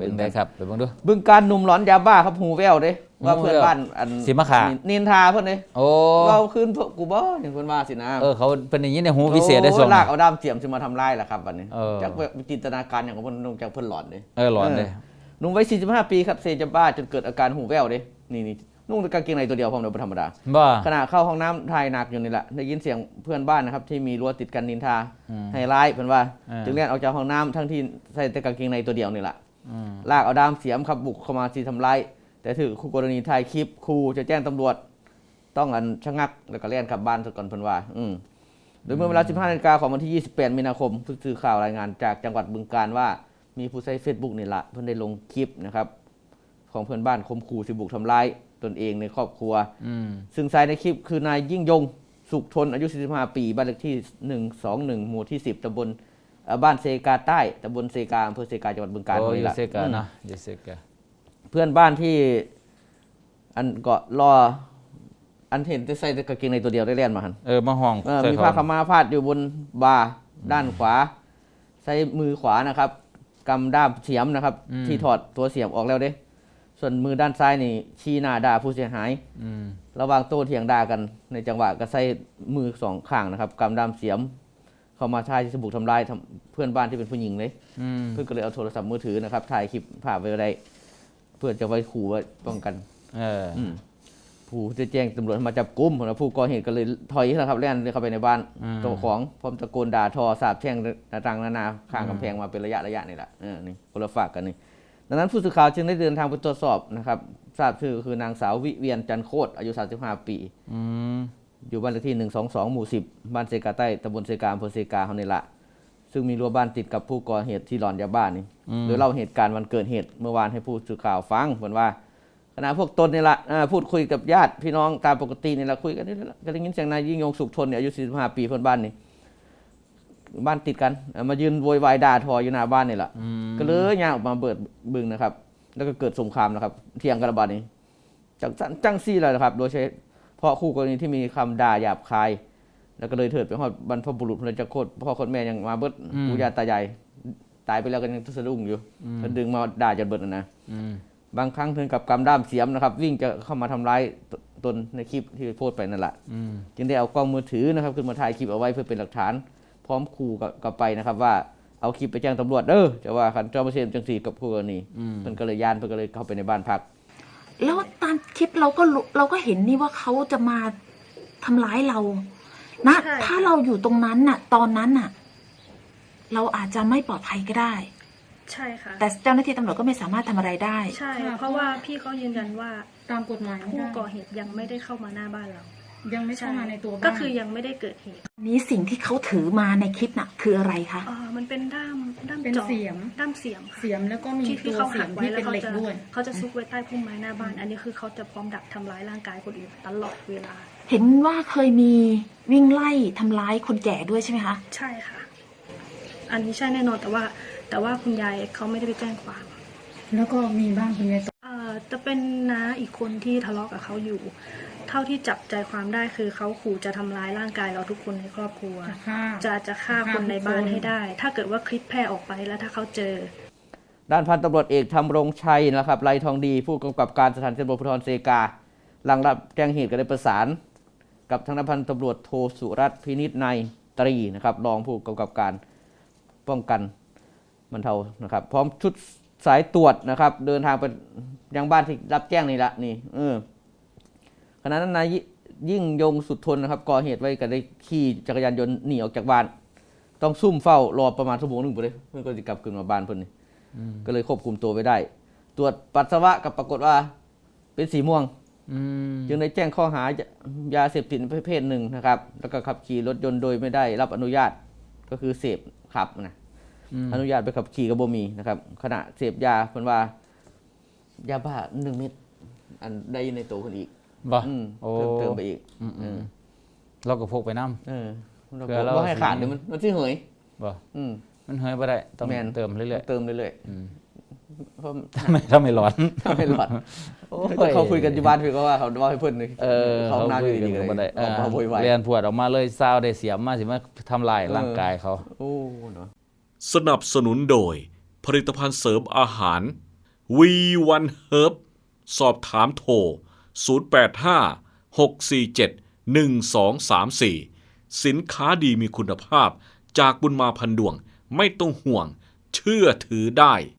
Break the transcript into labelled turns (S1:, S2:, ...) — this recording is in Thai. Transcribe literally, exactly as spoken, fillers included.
S1: เป็นไงครับไปเบิ่งดู
S2: บึงการหนุ่มหลอนยาบ้าครับหูแววเด้ว่าเพื่อนบ้านอัน
S1: สิมาขา
S2: นินทาเพื่อนเด้
S1: โอ้
S2: เราคืนกูบ่อย่างเพื่อนว่าสินะ
S1: เออเขาเป็นอย่างนี้ในหูวิเศษได้ส่ง
S2: ลากเอาด้ามเสียมจะมาทำลายแหละครับวันนี้จากจินตนาการอย่างของเพื่อนจากเพื่อนหลอนเด้
S1: เออหลอนเลย
S2: หนุ่มวัยสี่สิบห้าปีครับเสพยาบ้าจนเกิดอาการหูแววเด้นี่นี่นุ่งกางเกงในตัวเดียวพร้อมเดินธรรมดาขณะเข้าห้องน้ำทายหนักอยู่นี่แหละได้ยินเสียงเพื่อนบ้านนะครับที่มีรั้วติดกันนินทาให้ร้ายเพื่อนว่าจึงเรียกออกจากห้องน้ำทั้งที่ใส่แต่กางเกงในตัวเดียวนี่แหละลากเอาด้ามเสียมครับบุกเข้ามาที่ทำร้ายแต่ถือคู่กรณีถ่ายคลิปครูจะแจ้งตำรวจต้องอันชะงักแล้วก็เล่นกลับบ้านก่อนเพื่อนว่าโดยเมื่อเวลาสิบห้านาฬิกาของวันที่ยี่สิบแปดมีนาคมผู้สื่อข่าวรายงานจากจังหวัดบึงกาฬว่ามีผู้ใช้เฟซบุ๊กนี่แหละเพื่อนได้ลงคลิปนะครับของเพื่อนบ้านข่มขู่สิบุกทำร้ายตนเองในครอบครัวซึ่งชายในคลิปคือนายยิ่งยงสุขทนอายุสี่สิบห้าปีบ้านเลขที่หนึ่งสองหนึ่งหมู่ที่สิบตำบลบ้านเซกาใต้ตำบลเซกาอำเภอเซกาจังหวัดบึงกาฬนี่แหละเพื่อนบ้านที่อันเกาะรออันเห็นจะใส่กางเกงในตัวเดียวได้เล่นมาหัน
S1: เออมาห้อง
S2: มีผ้าขม่าพาดอยู่บนบาร์ด้านขวาใช้มือขวานะครับกำด้ามเสียมนะครับที่ถอดตัวเสียมออกแล้วเด้ส่วนมือด้านซ้ายนี่ชี้หน้าด่าผู้เสียหายระหว่างโต้เถียงด่ากันในจังหวะก็ใส่มือสองข้างนะครับกำด้ามเสียมเข้ามาถ่ายที่สบุกทำลายเพื่อนบ้านที่เป็นผู้หญิงเลยเพื่อนก็เลยเอาโทรศัพท์มือถือนะครับถ่ายคลิปภาพไว้ได้เพื่อจะไว้ขู่ไว้ป้องกันผู้จะแจ้งตำรวจมาจับกุมผู้ก่อเหตุก็เลยถอยนะครับแล่นเข้าไปในบ้านตัวของพร้อมตะโกนด่าทอสาบแช่งต่างๆนานาข้างกำแพงมาเป็นระยะระยะนี่แหละนี่คนละฝากกันนี่ดังนั้นผู้สื่อข่าวจึงได้เดินทางไปตรวจสอบนะครับทราบชื่อคือนางสาววิเวียนจันโคตรอายุสามสิบห้าปีอยู่บ้านเลขที่หนึ่งสองสองหมู่สิบบ้านเซกาใต้ตำบลเซกาอำเภอเซกาเขานี่แหละซึ่งมีรั้วบ้านติดกับผู้ก่อเหตุที่หลอนยาบ้านี่โดยเล่าเหตุการณ์วันเกิดเหตุเมื่อวานให้ผู้สื่อข่าวฟังเหมือนว่าขณะพวกตนนี่แหละพูดคุยกับญาติพี่น้องตามปกตินี่แหละคุยกันนี่แหละก็ได้ยินเสียงนายยิ่งยงสุขทนเนี่ยอายุสี่สิบห้าปีเพื่อนบ้านนี่บ้านติดกันมายืนโวยวายด่าทออยู่หน้าบ้านนี่แหละก็เลยย่างออกมาเปิดบึงนะครับแล้วก็เกิดสงครามนะครับเถียงกันระบาดนี้จังจังซี่เลยนะครับโดยใช้เพราะคู่กรณีที่มีคำด่าหยาบคายแล้วก็เลยเถิดไปฮอดบรรพบุรุษพระเจ้าโคตรพ่อคนแม่ยังมาเบิดปู่ย่าตายายตายไปแล้วก็ยังสะดุ้งอยู่ก็ดึงมาด่าจนเบิดนะบางครั้งถึงกับกำด้ามเสียมนะครับวิ่งจะเข้ามาทำร้ายตนในคลิปที่โพสต์ไปนั่นแหละจึงได้เอากล้องมือถือนะครับขึ้นมาถ่ายคลิปเอาไว้เพื่อเป็นหลักฐานพร้อมขู่กับไปนะครับว่าเอาคลิปไปแจ้งตำรวจเด้อจะว่าคันเจ้าประเสริฐจังสีกับคู่กรณีมันก็เลยย่านมันก็เลยเข้าไปในบ้านพัก
S3: แล้วตามคลิปเราก็เราก็เห็นนี่ว่าเขาจะมาทำร้ายเรานะถ้าเราอยู่ตรงนั้นน่ะตอนนั้นน่ะเราอาจจะไม่ปลอดภัยก็ได้
S4: ใช่ค่ะ
S3: แต่เจ้าหน้าที่ตำรวจก็ไม่สามารถทำอะไรได้
S4: ใช่เพราะว่าพี่เขายืนยันว่า
S5: ตามกฎหมาย
S4: ผู้ก่อเหตุยังไม่ได้เข้ามาหน้าบ้านเรา
S5: ยังไม่เข้ามาในตัวบ้าน
S4: ก็คือยังไม่ได้เกิดเหตุ
S3: นี้สิ่งที่เขาถือมาในคลิปน่ะคืออะไรคะ
S4: อ๋อมันเป็นด้ามด้าม
S5: เป็นเสียม
S4: ด้ามเสียม
S5: เสียมแล้วก็มีตัวเสียมที่เป็นเหล็กด้วย
S4: เขาจะซุกไว้ใต้พุ่มไม้หน้าบ้านอันนี้คือเขาจะพร้อมดักทำร้ายร่างกายคนอื่นตลอดเวลา
S3: เห็นว่าเคยมีวิ่งไล่ทำร้ายคนแก่ด้วยใช่ไหมคะ
S4: ใช่ค่ะอันนี้ใช่แน่นอนแต่ว่าแต่ว่าคุณยายเขาไม่ได้ไปแจ้งความ
S5: แล้วก็มีบ้างคุณยาย
S4: เอ่อจะเป็นน้าอีกคนที่ทะเลาะกับเขาอยู่เท่าที่จับใจความได้คือเขาขู่จะทำร้ายร่างกายเราทุกคนในครอบครัวจะจะฆ่าคนในบ้านให้ได้ถ้าเกิดว่าคลิปแพร่ออกไปแล้วถ้าเขาเจอ
S2: ด้านพันตำรวจเอกธำรงชัยนะครับไลทองดีผู้กำกับการสถานีตำรวจภูธรเซกาหลังรับแจ้งเหตุก็ได้ประสานกับทางพันตำรวจโทสุรัตน์พินิจในตรีนะครับรองผู้กำกับการป้องกันบรรเทานะครับพร้อมชุดสายตรวจนะครับเดินทางไปยังบ้านที่รับแจ้งนี่ละนี่เออขณะนั้นนายยิ่งยงสุดทนนะครับก่อเหตุไว้ก็ได้ขี่จักรยานยนต์หนีออกจากบ้านต้องซุ่มเฝ้ารอประมาณชั่วโมงหนึ่งไปเลยเพื่อนก็จะกลับคืนมาบ้านเพื่อนนี่ก็เลยควบคุมตัวไว้ได้ตรวจปัสสาวะกับปรากฏว่าเป็นสีม่วงจึงได้แจ้งข้อหายาเสพติดประเภทหนึ่งนะครับแล้วก็ขับขี่รถยนต์โดยไม่ได้รับอนุญาตก็คือเสพขับนะอนุญาตไปขับขี่กับบ่มีนะครับขณะเสพยาเพิ่นว่ายาบ้าหนึ่งเม็ดอันได้ในตัวคนอีก
S1: บ่
S2: เพิ่มเติมไปอีก
S1: เราก็พกไปน้ำ
S2: เออเราก็ให้ขาดเดี๋ยวมันมันที่เหย
S1: บ่มันเหยไปได้ต้องเติมเรื่อย
S2: ๆเติมเรื่อย
S1: ๆเพราะทำไมถ้าไม่ร้อน
S2: ถ้าไม่ร้อนเขาคุยกันอยู่บ้านพี่ก็ว่าเขาว่าให้เพิ่น
S1: เขาหน้าดีๆเลยเรียนพวดออกมาเลยซาวได้เสียมมาสิมาทำลายร่างกายเขา
S2: โอ้เนาะ
S6: สนับสนุนโดยผลิตภัณฑ์เสริมอาหารวี วัน เฮิร์บ สอบถามโทร ศูนย์ แปด ห้า หก สี่ เจ็ด หนึ่ง สอง สาม สี่ สินค้าดีมีคุณภาพจากบุญมาพันดวงไม่ต้องห่วงเชื่อถือได้